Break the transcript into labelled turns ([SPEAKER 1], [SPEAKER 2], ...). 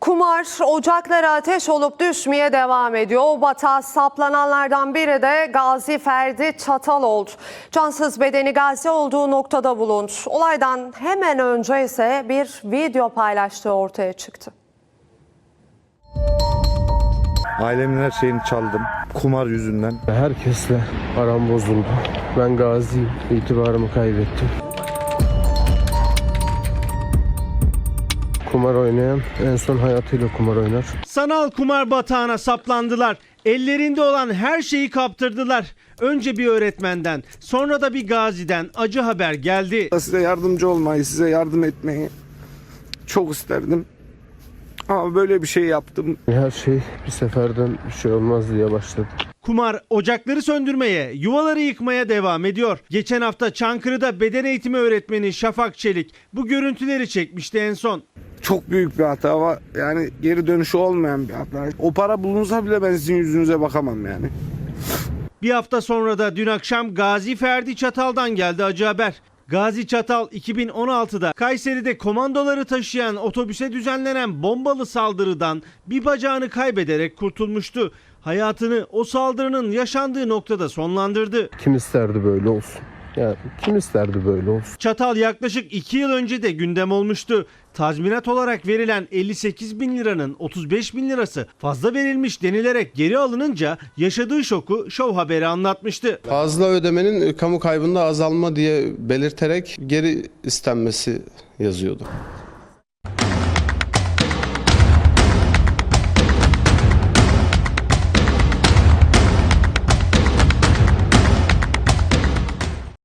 [SPEAKER 1] Kumar ocaklara ateş olup düşmeye devam ediyor. O batağa saplananlardan biri de Gazi Ferdi Çatal oldu. Cansız bedeni Gazi olduğu noktada bulundu. Olaydan hemen önce ise bir video paylaştığı ortaya çıktı.
[SPEAKER 2] Ailemin her şeyini çaldım. Kumar yüzünden.
[SPEAKER 3] Herkesle aram bozuldu. Ben gaziyim. İtibarımı kaybettim. Kumar oynayan en son hayatıyla kumar oynar.
[SPEAKER 4] Sanal kumar batağına saplandılar. Ellerinde olan her şeyi kaptırdılar. Önce bir öğretmenden, sonra da bir gaziden acı haber geldi.
[SPEAKER 5] Size yardımcı olmayı, size yardım etmeyi çok isterdim. Ama böyle bir şey yaptım.
[SPEAKER 3] Her şey bir seferden bir şey olmaz diye başladı.
[SPEAKER 4] Kumar ocakları söndürmeye, yuvaları yıkmaya devam ediyor. Geçen hafta Çankırı'da beden eğitimi öğretmeni Şafak Çelik bu görüntüleri çekmişti en son.
[SPEAKER 5] Çok büyük bir hata var. Yani geri dönüşü olmayan bir hata. O para bulunsa bile ben sizin yüzünüze bakamam yani.
[SPEAKER 4] Bir hafta sonra da dün akşam Gazi Ferdi Çatal'dan geldi acı haber. Gazi Çatal 2016'da Kayseri'de komandoları taşıyan otobüse düzenlenen bombalı saldırıdan bir bacağını kaybederek kurtulmuştu. Hayatını o saldırının yaşandığı noktada sonlandırdı.
[SPEAKER 3] Kim isterdi böyle olsun? Yani kim isterdi böyle olsun?
[SPEAKER 4] Çatal yaklaşık 2 yıl önce de gündem olmuştu. Tazminat olarak verilen 58 bin liranın 35 bin lirası fazla verilmiş denilerek geri alınınca yaşadığı şoku Show Haber'e anlatmıştı.
[SPEAKER 3] Fazla ödemenin kamu kaybında azalma diye belirterek geri istenmesi yazıyordu.